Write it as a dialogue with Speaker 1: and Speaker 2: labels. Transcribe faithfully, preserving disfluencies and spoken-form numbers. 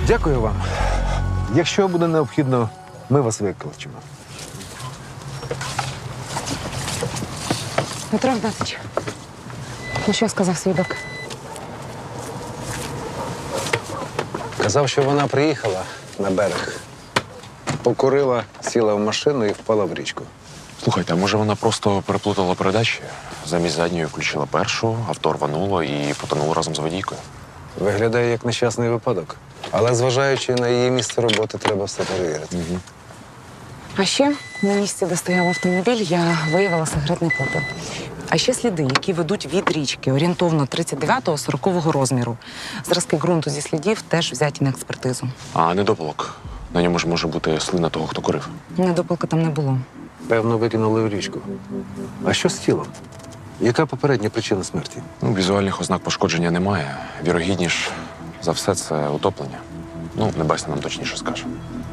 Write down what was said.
Speaker 1: Дякую вам. Якщо буде необхідно, ми вас викличемо.
Speaker 2: Петро Игнатович, ну що сказав свідок?
Speaker 1: Казав, що вона приїхала на берег, покурила, сіла в машину і впала в річку.
Speaker 3: Слухайте, а може вона просто переплутала передачі? Замість задньої включила першу, авто рвануло і потонуло разом з водійкою.
Speaker 1: Виглядає як нещасний випадок. Але зважаючи на її місце роботи, треба все перевірити.
Speaker 3: Угу.
Speaker 2: А ще на місці, де стояв автомобіль, я виявила сигаретний попел. А ще сліди, які ведуть від річки, орієнтовно тридцять дев'ятого сорокового розміру. Зразки ґрунту зі слідів теж взяті на експертизу.
Speaker 3: А недопалок. На ньому ж може бути слина того, хто курив.
Speaker 2: Недопалка там не було.
Speaker 1: Певно, викинули в річку. А що з тілом? Яка попередня причина смерті?
Speaker 3: Ну, візуальних ознак пошкодження немає. Вірогідніш за все це утоплення. Ну, небесне нам точніше скаже.